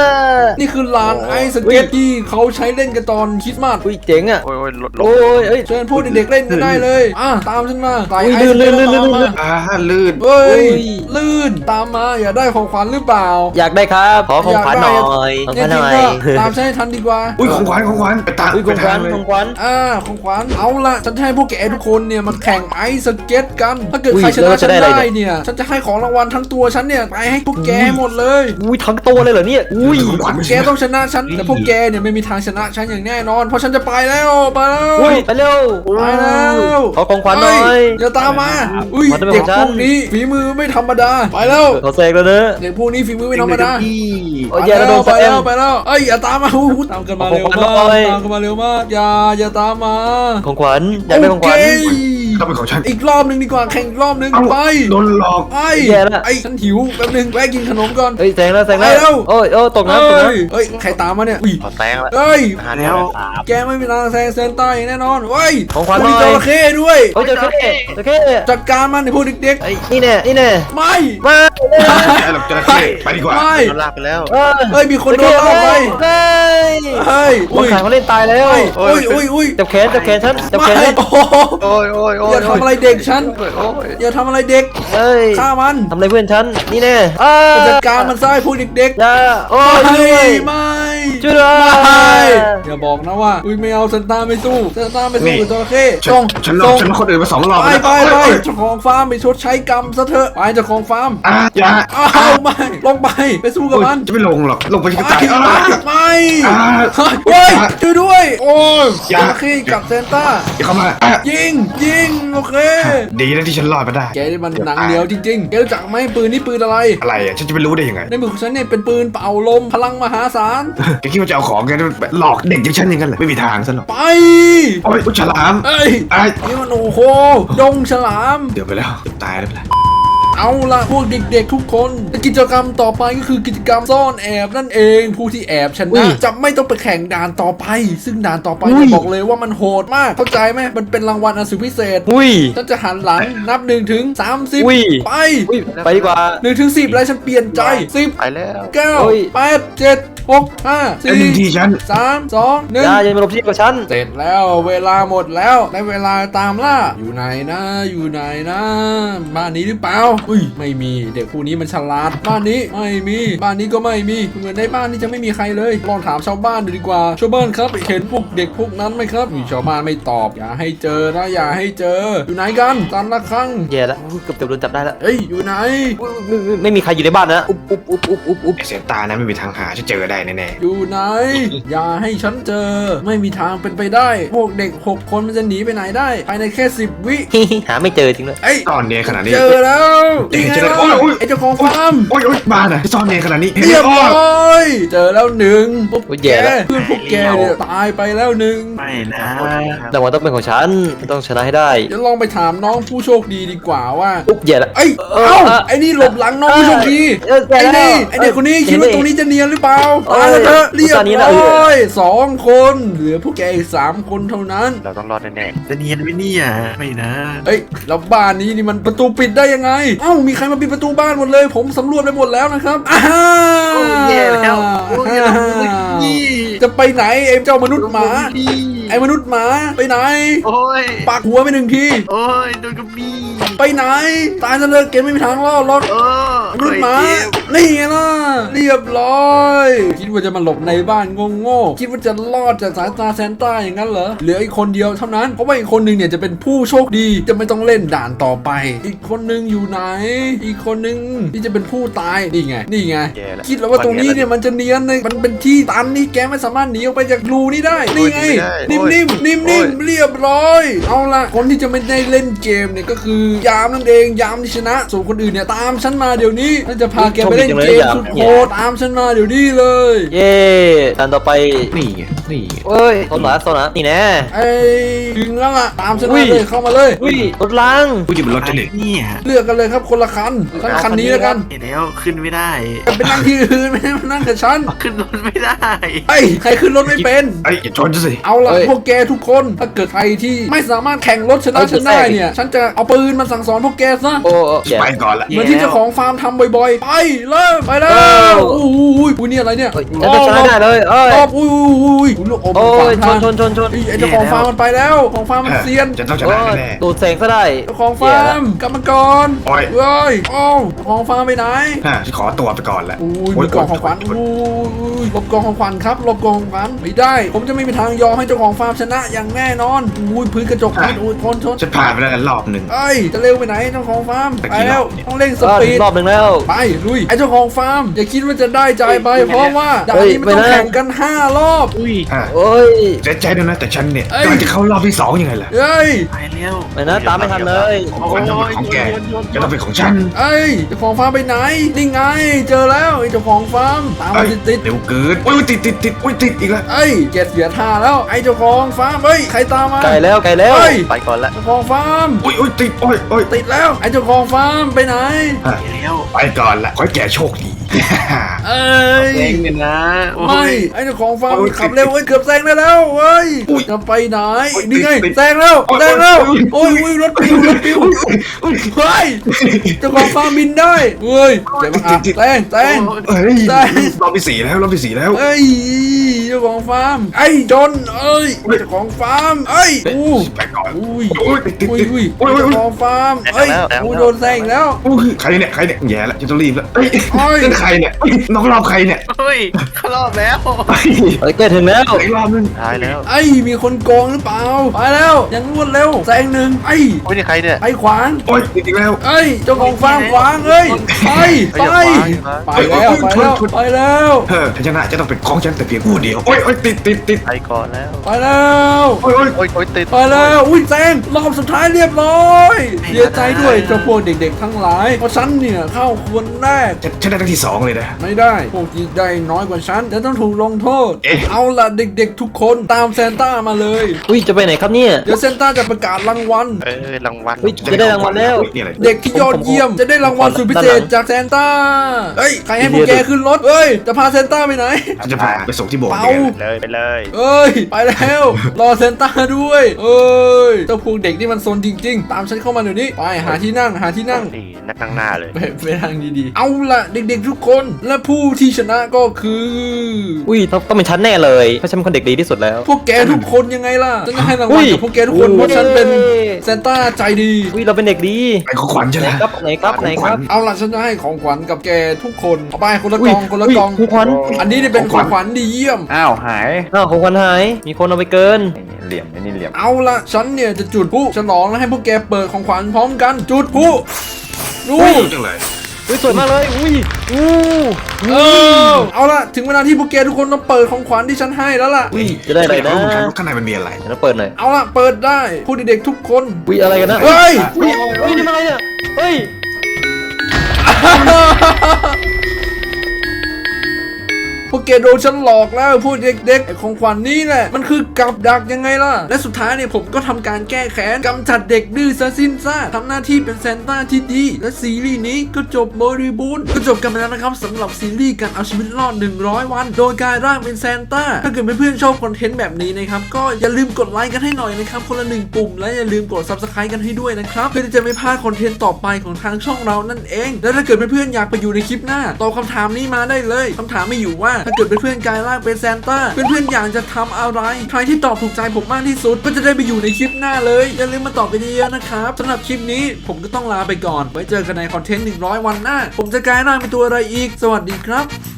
[SPEAKER 1] นี่คือลานไอสเก็ตที่เขาใช้เล่นกันตอนคริสต์มาส
[SPEAKER 3] อุ้ยเจ๋งอ่ะ
[SPEAKER 5] โอ้ยรถ
[SPEAKER 3] โอ้ยเอ้ย
[SPEAKER 1] เชิญพวกเด็กๆเล่นกันได้เลยตามฉันมาใส่
[SPEAKER 3] อุ้ย
[SPEAKER 1] ไอสเก็ต
[SPEAKER 3] ลื่น
[SPEAKER 1] ตามมา
[SPEAKER 4] ลื่น
[SPEAKER 1] เฮ้ย
[SPEAKER 3] อุ้ย
[SPEAKER 1] ลื่นตามมาอย่าได้ของขวัญหรือเปล่า
[SPEAKER 3] อยากได้ครับขอของขวัญหน่อยของ
[SPEAKER 1] เนี่
[SPEAKER 3] ข
[SPEAKER 1] ย
[SPEAKER 3] วัญ
[SPEAKER 1] จ
[SPEAKER 3] ห
[SPEAKER 1] ริง
[SPEAKER 3] น่อย
[SPEAKER 1] ก็ตามฉันให้ทันดีกว่า
[SPEAKER 4] อุ้ยของขวัญไปตาม
[SPEAKER 3] อุ้ยของขวัญ
[SPEAKER 4] เลย
[SPEAKER 3] ของขวัญ
[SPEAKER 1] ของขวัญเอาละฉันจะให้พวกแกทุกคนเนี่ยมาแข่งไอซ์สเก็ตกัน ถ้าเกิด
[SPEAKER 3] อุ้ย
[SPEAKER 1] ใครช
[SPEAKER 3] แล้
[SPEAKER 1] นะ
[SPEAKER 3] ว
[SPEAKER 1] ฉั
[SPEAKER 3] จะ
[SPEAKER 1] น
[SPEAKER 3] ได้อะไร
[SPEAKER 1] ได้เนี่ยฉันจะให้ของรางวัลทั้งตัวฉันเนี่ยไปให้พวกแกหมดเลย
[SPEAKER 3] อุ้ยทั้งตัวเลยเหรอเนี่ยอุ้ย
[SPEAKER 4] ของขวัญ
[SPEAKER 1] แกต้องชนะฉันแต่พวกแกเนี่ยไม่มีทางชนะฉันอย่างแน่นอน เพราะฉันจะไปแล้วไปแล้ว
[SPEAKER 3] อุ้ยไปเร็ว
[SPEAKER 1] ไปแล้ว
[SPEAKER 3] ขอของขวัญหน่อย
[SPEAKER 1] เฮ้อย่าตามมาอุ้ย
[SPEAKER 3] ขอได้ไหม
[SPEAKER 1] เด็ก
[SPEAKER 3] ของฉั
[SPEAKER 1] พ
[SPEAKER 3] น
[SPEAKER 1] วกนี้ฝีมือไม่ธรรมดาไปแล้ว
[SPEAKER 3] ขอเสกแล้วเนอะ
[SPEAKER 1] เด็กพวกนี้ฝีมือไม่ธรรมดา
[SPEAKER 3] โอ้ยแย่แล้วโดน
[SPEAKER 1] ไป
[SPEAKER 3] แซ
[SPEAKER 1] แล้ว
[SPEAKER 3] ม
[SPEAKER 1] ไปแล้วเอ้ยอย่าตามมาตามกันมาเร็ว
[SPEAKER 3] ของขวัญ
[SPEAKER 1] มาก
[SPEAKER 3] หน่อย
[SPEAKER 1] ตามกันมาเร็วมากอย่าตามมา
[SPEAKER 3] ของขวัญอยากได้ของขวัญ
[SPEAKER 1] โเค
[SPEAKER 4] ต้องเป็นของฉัน
[SPEAKER 1] อีกรอบหนึ่งดีกว่าแข่งอีกรอบหนึ่ง
[SPEAKER 4] เอ้า
[SPEAKER 1] ไป
[SPEAKER 4] โดนหลอก
[SPEAKER 1] ไอ้
[SPEAKER 3] แย่ละ
[SPEAKER 1] ไอ้ฉันหิวแป๊บหนึงแวะกินขนมก่อน
[SPEAKER 3] เฮ้ยแซงแล้ว
[SPEAKER 1] ไปแล้ว
[SPEAKER 3] โอ้ยตกน้ำ
[SPEAKER 1] เฮ้ยใครตามมาเนี่ยอุ้ย
[SPEAKER 5] ขอแซงละ
[SPEAKER 1] เฮ้ย
[SPEAKER 5] หาแล้ว
[SPEAKER 1] แกไม่มีทางแซงเซนต้าอย่างแน่นอนเฮ้ย
[SPEAKER 3] ของขวัญห
[SPEAKER 1] มี
[SPEAKER 3] น่อย
[SPEAKER 1] จระเข้ด้วย
[SPEAKER 3] โอ้ยเจอแค่
[SPEAKER 1] จัดการมันในพวกเด็ก
[SPEAKER 3] ไอ้นี่แน่
[SPEAKER 1] ๆไม่
[SPEAKER 3] มา
[SPEAKER 4] ไอ้หลอกจระเข้ไปดีกว่า
[SPEAKER 1] ไม่
[SPEAKER 5] โดนลากไปแล้ว
[SPEAKER 1] เฮ้ยมีคนโดนลากไป
[SPEAKER 3] เฮ้ย
[SPEAKER 1] เฮ้ย
[SPEAKER 3] คนขายเขาเล่นตายแล้ว
[SPEAKER 1] อุ้ย
[SPEAKER 3] จับแขนฉันจับแข
[SPEAKER 1] ไม่
[SPEAKER 3] น
[SPEAKER 1] โอ้โห
[SPEAKER 5] โอ้ย
[SPEAKER 1] อย่าทำอะไรเด็กฉัน
[SPEAKER 5] โอ้ย
[SPEAKER 1] อย่าทำอะไรเด็ก
[SPEAKER 3] เฮ้ย
[SPEAKER 1] ฆ่ามัน
[SPEAKER 3] ทำอะไรเพื่อนฉันนี่แน่
[SPEAKER 1] จัดการมันซะไอ้พวกเด็กๆ
[SPEAKER 3] อย่าโอ้ย
[SPEAKER 1] ไม่
[SPEAKER 3] ช่วยด้วย
[SPEAKER 1] ไม่อย่าบอกนะว่าอุ้ยไม่เอาเซนต้าไม่สู้เซนต้าไม่สู้กับจระเข้
[SPEAKER 4] ฉันหลอกฉันคนอื่นมา2 รอบ
[SPEAKER 1] ไป
[SPEAKER 4] แล้ว
[SPEAKER 1] ไปเจ้าของฟาร์มไปชดใช้กรรมซะเถอะไปเจ้าของฟาร์ม
[SPEAKER 4] อย่า
[SPEAKER 1] อ้าวไม่ลงไปสู้กับมัน
[SPEAKER 4] จะไม่ลงหรอกลงไปที่
[SPEAKER 1] ไม่
[SPEAKER 4] ตาย
[SPEAKER 1] ไม่เฮ้ยช่วยด้วยโอ้ยจระเข้กับเซนต้า
[SPEAKER 4] อย่าเข้ามา
[SPEAKER 1] ยิงโอเค
[SPEAKER 4] ดีนะที่ฉันรอดมาได้
[SPEAKER 1] แกนี่มันหนังเหนียวจริงๆแกรู้จักไหมปืนนี่ปืนอะไร
[SPEAKER 4] อะไรอ่ะฉันจะไปรู้ได้ยังไง
[SPEAKER 1] ในมือของฉันเนี่ยเป็นปืนเป่าลมพลังมหาศาล
[SPEAKER 4] แกคิดว่าจะเอาของแกหลอกเด็กอย่างฉันอย่างนั้นเหรอไม่มีทางซะหรอก
[SPEAKER 1] ไป
[SPEAKER 4] โอ้ยฉลาม
[SPEAKER 1] เอ้ย
[SPEAKER 4] ไอ้
[SPEAKER 1] นี่มันโอ้โหดงฉลาม
[SPEAKER 4] เดี๋ยวไปแล้วตายแล้วไปแล้ว
[SPEAKER 1] เอาละพวกเด็กๆทุกคนกิจกรรมต่อไปก็คือกิจกรรมซ่อนแอบนั่นเองผู้ที่แอบชนะจะไม่ต้องไปแข่งด่านต่อไป ซึ่งด่านต่อไปจะบอกเลยว่ามันโหดมากเข้าใจไหมมันเป็นรางวัลอันสุดพิเศษ
[SPEAKER 3] อุ้ย
[SPEAKER 1] ฉันจะหันหลังนับ1 ถึง 30
[SPEAKER 3] อุ้ย
[SPEAKER 1] ไป
[SPEAKER 3] อุ้ยไปดีกว่า
[SPEAKER 1] 1 ถึง 10แล้วฉันเปลี่ยนใจ 10
[SPEAKER 5] ไปแล้ว
[SPEAKER 3] อุ้ย
[SPEAKER 1] 9 8 7 6 5
[SPEAKER 4] ไอ้หนึ่งที
[SPEAKER 1] 4
[SPEAKER 4] ฉัน
[SPEAKER 1] 3 2
[SPEAKER 3] อย่า
[SPEAKER 1] 1
[SPEAKER 3] อย่ามาหลบที่กับฉัน
[SPEAKER 1] เสร็จแล้วเวลาหมดแล้วได้เวลาตามล่าอยู่ไหนนะบ้านนี้หรือเปล่าอุ้ยไม่มีเด็กผู้นี้มันฉลาดบ้านนี้ไม่มีบ้านนี้ก็ไม่มีเหมือนในบ้านนี้จะไม่มีใครเลยลองถามชาวบ้านดูดีกว่าชาวบ้านครับเห็นพวกเด็กพวกนั้นไหมครับชาวบ้านไม่ตอบอย่าให้เจอนะอย่าให้เจออยู่ไหนกันตันละครั้ง
[SPEAKER 3] แย่แล้วเกือบโดนจับได้แล้ว
[SPEAKER 1] เอ้ยอยู่ไหน
[SPEAKER 3] ไม่มีใครอยู่ในบ้านนะอุ๊บ
[SPEAKER 4] ไอ้เซนตานะไม่มีทางหาฉันเจอได้แน่
[SPEAKER 1] อยู่ไหน อย่าให้ฉันเจอไม่มีทางเป็นไปได้ พวกเด็ก6 คนมันจะหนีไปไหนได้ภายในแค่10 วิ
[SPEAKER 3] หาไม่เจอจริงเลย
[SPEAKER 1] เอ้ย
[SPEAKER 4] ๆซ่อนเนียนขนาดนี้
[SPEAKER 1] เจอแล้ว
[SPEAKER 4] เอ๊ะ
[SPEAKER 1] นี่ไง
[SPEAKER 4] เจอแล้ว
[SPEAKER 1] ล่ะ
[SPEAKER 4] โอ้ย
[SPEAKER 1] ไอ้เจ้าของฟาร์ม
[SPEAKER 4] โอ้ยบ้านอ่ะซ่อนเนียนขนาดนี้
[SPEAKER 1] เรียบร้อยเจอแล้ว1พวก
[SPEAKER 3] โอ้ย
[SPEAKER 1] แก
[SPEAKER 3] แย่แล้ว
[SPEAKER 1] เพื่อนพวกแกเนี่ยตายไปแล้ว1
[SPEAKER 2] ไม่นะ
[SPEAKER 3] แต่ว่าต้องเป็นของฉันต้องชนะให้ได้
[SPEAKER 1] เดี๋ยวลองไปถามน้องผู้โชคดีดีกว่าว่า
[SPEAKER 3] อุ๊บแย่แล้ว
[SPEAKER 1] เอ้ยเอ้าไอ้นี่หลบหลังน้องผู้โชคดี
[SPEAKER 3] แย่
[SPEAKER 1] ไอ้
[SPEAKER 3] แล้ว
[SPEAKER 1] นี่ไอ้เด็กคนนี้คิดว่าตรงนี้จะเนียนหรือเปล่า
[SPEAKER 3] เอ้ย
[SPEAKER 1] ตายแล้วเถอะเรียบ
[SPEAKER 3] ตอนนี้นะ
[SPEAKER 1] ร้อย2 คนเหลือพวกแกอีก3 คนเท่านั้น
[SPEAKER 5] เราต้องรอดแน่
[SPEAKER 2] จะเนียนไหมเนี่ยไม่นะ
[SPEAKER 1] เอ้ยแล้วบ้านนี้นี่มันประตูปิดได้ยังไงามีใครมาปิดประตูบ้านหมดเลยผมสำรวจไปหมดแล้วนะครับอ้า
[SPEAKER 2] โอ้แย่แล้วโอ้ยนี่
[SPEAKER 1] จะไปไหนไอ้เจ้ามนุษย์หมาไอ้มนุษย์หมาไปไหน
[SPEAKER 2] โอ้ย
[SPEAKER 1] ปากหัวไปหนึ่งที
[SPEAKER 2] โอ้ยโดนกระบี่
[SPEAKER 1] ไปไหนตายซะเลยเกมไม่มีทางรอดหรอก
[SPEAKER 2] โอ้
[SPEAKER 1] มนุษย์หมานี่ไงล่ะเรียบร้อยคิดว่าจะมาหลบในบ้านโง่ๆคิดว่าจะรอดจากสายตาแซนต้าอย่างนั้นเหรอเหลืออีกคนเดียวเท่านั้นเพราะว่าอีกคนหนึ่งเนี่ยจะเป็นผู้โชคดีจะไม่ต้องเล่นด่านต่อไป อีกคนหนึ่งอยู่ไหน อีกคนหนึ่งที่จะเป็นผู้ตายนี่ไงคิดแล้วว่าตรงนี้เนี่ยมันจะเนียนเลยมันเป็นที่ตันนี่แกไม่สามารถหนีออกไปจากรูนี้ได้นี่ไงนิ่มเรียบร้อยเอาละคนที่จะไม่ได้เล่นเกมเนี่ยก็คือยามนั่นเองยามที่ชนะส่วนคนอื่นเนี่ยตามฉันมาเดี๋ยวนี้ฉันจะพาแกไปเล่นเกมสุดโหดตามฉันมาเดี๋ยวนี้เลย
[SPEAKER 3] เย่ทันต่อไป
[SPEAKER 4] นี่ไงนี่ไง
[SPEAKER 3] เอ้ยโซนะนี่แน่
[SPEAKER 1] ไอ้ถึงแล้วล่ะตามฉันมาเลยเข้ามาเลย
[SPEAKER 3] อุ้ยรถล้าง
[SPEAKER 4] กูจะเป็นรถเด็ก
[SPEAKER 2] เนี่ย
[SPEAKER 1] เลือกกันเลยครับคนละคันฉันคันนี้แล้วกัน
[SPEAKER 2] เห็นแล้วขึ้นไม่ได้
[SPEAKER 1] ไปนั่งที่อื่นไม่ได้มานั่งกับฉัน
[SPEAKER 2] ขึ้นรถไม่ได้
[SPEAKER 1] ไอ้ใครขึ้นรถไม่เป็น
[SPEAKER 4] ไอ้อย่าชนสิ
[SPEAKER 1] เอาล่ะพวกแกทุกคนถ้าเกิดใครที่ไม่สามารถแข่งรถชนะฉันได้เนี่ยฉันจะเอาปืนมาสั่งสอนพวกแกซะ
[SPEAKER 3] โอ้แย่
[SPEAKER 4] ไปก่อนละ
[SPEAKER 1] เหมือนที่เจ้าของฟาร์มทำบ่อยๆไปเริ่มไปแล้วอุ้ยนี่อะไรเนี่ย
[SPEAKER 3] ฉันจะชนะได้เลยเอ้ย
[SPEAKER 1] อุ้ยลูกอม
[SPEAKER 3] โอ้
[SPEAKER 1] ขวาย ง
[SPEAKER 3] ช
[SPEAKER 1] ทาง
[SPEAKER 3] น
[SPEAKER 1] ไอ้เจ้าของฟาร์มมันไปแล้วของฟาร์มมันเซียน
[SPEAKER 4] จะต้องช
[SPEAKER 3] โอ้
[SPEAKER 4] นะ
[SPEAKER 3] ย
[SPEAKER 4] แน่
[SPEAKER 3] ดูดแสงซะได้
[SPEAKER 1] เจ้าของฟาร์มกลับมาก่อน
[SPEAKER 4] โอ้ย
[SPEAKER 1] เว้ยเจ้าของฟาร์มไปไหน
[SPEAKER 4] ฉันขอตัวไปก่อนแหละ
[SPEAKER 1] อุ้ยมีกล่องของขวัญอุ้ยหลบกล่องของขวัญครับหลบกล่องของขวัญไม่ได้ ผมจะไม่มีทางยอมให้เจ้าของฟาร์มชนะอย่างแน่นอนอุ้ยพื้นกระจกอุ้ยชน
[SPEAKER 4] ฉันผ่านไปแล้วรอบหนึ่ง
[SPEAKER 1] เอ้ยจะเร็วไปไหนเจ้าของฟาร์ม
[SPEAKER 4] ตะ
[SPEAKER 1] ไป
[SPEAKER 4] กี้
[SPEAKER 1] แล้ว
[SPEAKER 4] รอบเนี่ย
[SPEAKER 1] ต้องเร่งส
[SPEAKER 3] ก็
[SPEAKER 1] ปี
[SPEAKER 3] ถึ
[SPEAKER 1] ด
[SPEAKER 3] งรอบหนึ่งแล้ว
[SPEAKER 1] ไปลุยไอ้เจ้าของฟาร์มอย่าคิดว่าจะได้ใจไปเพราะว่าด่านนี้มันต้องแข่งกัน5 รอบ
[SPEAKER 2] อุ้ย
[SPEAKER 3] โอ้ย
[SPEAKER 4] เสียใจด้วยนะแต่ฉันเนี่ยกำลังจะเข้ารอบที่2ยังไงล่ะ
[SPEAKER 1] เอ้ย
[SPEAKER 2] ไปแล้ว
[SPEAKER 3] ไม่นะตามไม่ทันเลย
[SPEAKER 4] ของขวัญต้องเป็นของแกจะต้องเป็นของฉัน
[SPEAKER 1] เอ้ยเจ้าของฟาร์มไปไหนนี่ไงเจอแล้วไอ้เจ้าของฟาร์มตามมาติด
[SPEAKER 4] เร็วเกินอุ้ยติดอุ้ยติดอีกแล้ว
[SPEAKER 1] เอ้ยแกเสียท่าแล้วไอ้เจ้าของฟาร์มเอ้ยใครตามมา
[SPEAKER 3] ไกลแล้ว
[SPEAKER 1] เอ้ย
[SPEAKER 5] ไปก่อนละ
[SPEAKER 1] เจ้าของฟาร์ม
[SPEAKER 4] อุ้ยติดโอ้ย
[SPEAKER 1] ติดแล้วไอ้เจ้าของฟาร์มไปไหน
[SPEAKER 2] ไปแล้ว
[SPEAKER 4] ไปก่อนละขอให้แกโชคดี
[SPEAKER 1] เอ้ย
[SPEAKER 2] เองเนี่ยนะโอ้
[SPEAKER 1] ไม่
[SPEAKER 2] ย
[SPEAKER 1] ไอ้เจ้าของฟาร์ม
[SPEAKER 4] โอ้ย
[SPEAKER 1] ขับเร็วเอ้ยเกือบแซงได้แล้วเว้ย
[SPEAKER 4] อุ้ย
[SPEAKER 1] จะไปไหน
[SPEAKER 4] โอ้ย
[SPEAKER 1] นี่ไง
[SPEAKER 4] ติด
[SPEAKER 1] แซงแล้ว
[SPEAKER 4] โอ้ย
[SPEAKER 1] แซงแล้ว
[SPEAKER 4] โอ้
[SPEAKER 1] โอ้
[SPEAKER 4] ย
[SPEAKER 1] ยรถปิวเฮ้ยเจ้าของฟาร์มบินได้เว้ยเจ็บมากแซง
[SPEAKER 4] เฮ้ย
[SPEAKER 1] ได้
[SPEAKER 4] รอบที่4แล้วรอบที่4แล้ว
[SPEAKER 1] เอ้ยเจ้าของฟาร์มไอ้จนเอ้ยเจ้าของฟาร์มเอ้ยอู้
[SPEAKER 4] ไปก่อน
[SPEAKER 1] อุ้ย
[SPEAKER 4] อุ้ยติด
[SPEAKER 1] อุ้ย
[SPEAKER 4] โอ้ย
[SPEAKER 1] เจ้าของฟาร์มเอ้ยกูโดนแซงอีกแล้ว
[SPEAKER 4] ใครเนี่ยแย่แล้วจะต้องรีบแล้วเฮ้ย
[SPEAKER 1] โอ้ย
[SPEAKER 4] นั่นใครเนี่ยน้องรอบใครเนี่ย
[SPEAKER 2] เฮ้ยเข้ารอบแล้ว
[SPEAKER 4] ไป
[SPEAKER 3] เอ้ยใกล้ถึงแล้ว
[SPEAKER 4] อีกรอบนึง
[SPEAKER 5] ตายแล้ว
[SPEAKER 1] ไอ้มีคนโกงหรือเปล่าไปแล้วยังรวดเร็วแซงหนึ่งไอ้
[SPEAKER 5] โอ้ยนี่ใครเนี่ย
[SPEAKER 1] ไปขวาง
[SPEAKER 4] โอ้ยติดอีกแล้ว
[SPEAKER 1] เอ้ยเจ้าของฟาร์มขวางเอ้ยไปแล้วไปแล้ว
[SPEAKER 4] ถ้าชนะจะต้องเป็นของฉันแต่เพียงผู้เดียวโอ้ยติด
[SPEAKER 5] ไปก่อนแล้ว
[SPEAKER 1] ไปแล้ว
[SPEAKER 4] โอ้ย
[SPEAKER 5] โอ้ยติด
[SPEAKER 1] ไปแล้วอุ้ยแซงรอบสุดท้ายเรียบร้อยเสียใจด้วยเจ้าพวกเด็กๆทั้งหลายเพราะฉันเนี่ยเข้าคนแรก
[SPEAKER 4] ฉันได้ที่2เลยนะ
[SPEAKER 1] ไม่ได้พวกที่ได้น้อยกว่าฉันจะต้องถูกลงโทษ
[SPEAKER 4] เอ๊ะ
[SPEAKER 1] เอาล่ะเด็กๆทุกคนตามซานต้ามาเลย
[SPEAKER 3] อุ้ยจะไปไหนครับเนี่ย
[SPEAKER 1] เดี๋ยวซานต้าจะประกาศรางวัล
[SPEAKER 5] รางวัล
[SPEAKER 3] เฮ้ยจะได้รางวัลแล้ว
[SPEAKER 4] นี่อะไร
[SPEAKER 1] เด็กที่ยอดเยี่ยมจะได้รางวัลสุดพิเศษจากซานต้าเฮ้ยใครให้พวกแกขึ้นรถเฮ้ยจะพาซานต้าไปไหน
[SPEAKER 4] ฉันจะพาไปส่งที่โบสถ์
[SPEAKER 1] เปา
[SPEAKER 4] เนี่ย
[SPEAKER 5] ไปเลย
[SPEAKER 1] เอ้ยไปแล้วรอซานต้าด้วยเอ้ยเจ้าพวกเด็กนี่มันซนจริงๆ ตามฉันเข้ามาเดี๋ยวนี้ไปหาที่นั่ง
[SPEAKER 5] นี่นักข้างหน้าเลย
[SPEAKER 1] ไปทางดีๆเอาล่ะเด็กๆทุกคนและผู้ที่ชนะก็คือ
[SPEAKER 3] อุ้ยต้องเป็นฉันแน่เลยเพราะฉันเป็นคนเด็กดีที่สุดแล้ว
[SPEAKER 1] พวกแกทุกคนยังไงล่ะฉันจะให้ราง
[SPEAKER 3] อุ้
[SPEAKER 1] วัล
[SPEAKER 3] ย
[SPEAKER 1] กับพวกแกทุกคนเพราะฉันเป็นซานต้าใจดี
[SPEAKER 3] อุ้ยเราเป็นเด็กดี
[SPEAKER 4] ไปของขวัญใช่
[SPEAKER 3] ไห
[SPEAKER 4] ไห
[SPEAKER 3] น
[SPEAKER 4] ม
[SPEAKER 3] ครับไหนครับ
[SPEAKER 1] เอาล่ะฉันจะให้ของขวัญกับแกทุกคนเอาไปคนละกล่องคนละกล่อง
[SPEAKER 3] ของขวัญ
[SPEAKER 1] อันนี้เนี่ยเป็นของขวัญดีเยี่ยม
[SPEAKER 7] อ้าวหาย
[SPEAKER 3] อ้าวของขวัญหายมีคนเอาไปเกิน
[SPEAKER 7] เหลี่ยมไอ้นี่เหลี่ยม
[SPEAKER 1] เอาล่ะฉันเนี่ยจะจุดพลุฉลองแล้วให้พวกแกเปิดของขวัญพร้อมกันจุดพลุดู
[SPEAKER 4] จังเลย
[SPEAKER 3] อุ้ยสวยมากเลยอุ้ยอู้
[SPEAKER 1] เอาล่ะถึงเวลาที่พวกแกทุกคนต้องเปิดของขวัญที่ฉันให้แล้วล่ะ
[SPEAKER 3] อุ้ยจะได้อะไรนะ
[SPEAKER 4] ข้างในมันมีอะไร
[SPEAKER 3] เดี๋ยวเราเปิดหน่อย
[SPEAKER 1] เอาล่ะเปิดได้ผู้เด็กๆทุกคน
[SPEAKER 3] อุ้ยอะไรกันนะ
[SPEAKER 1] เฮ้ย
[SPEAKER 3] อุ้ยนี่มันอะไรเนี่ยเฮ้ย
[SPEAKER 1] พวกแกแกโดนฉันหลอกแล้วพูดเด็กๆไอ้ของขวัญนี้แหละมันคือกับดักยังไงล่ะและสุดท้ายเนี่ยผมก็ทำการแก้แค้นกำจัดเด็กดื้อซะสิ้นซากทำหน้าที่เป็นซานต้าที่ดีและซีรีส์นี้ก็จบบริบูรณ์ก็จบกันไปแล้วนะครับสำหรับซีรีส์การเอาชีวิตรอด100 วันโดยกลายร่างเป็นซานต้าถ้าเกิดเพื่อนๆชอบคอนเทนต์แบบนี้นะครับก็อย่าลืมกดไลค์กันให้หน่อยนะครับคนละ1 ปุ่มและอย่าลืมกด Subscribe กันให้ด้วยนะครับเพื่อที่จะไม่พลาดคอนเทนต์ต่อไปของทางช่องเรานั่นเองและถ้าเกิดเพื่อนๆอยากไปอยู่ในคลิปหน้าตอบคำถามนี้มาได้เลยคำถามมีอยู่ว่าถ้าเกิดเพื่อนๆกลายร่างเป็นซานต้าเพื่อนๆอยากจะทำอะไรใครที่ตอบถูกใจผมมากที่สุดก็จะได้ไปอยู่ในคลิปหน้าเลยอย่าลืมมาตอบกันเยอะๆนะครับสำหรับคลิปนี้ผมก็ต้องลาไปก่อนไว้เจอกันในคอนเทนต์100 วันหน้าผมจะกลายร่างเป็นตัวอะไรอีกสวัสดีครับ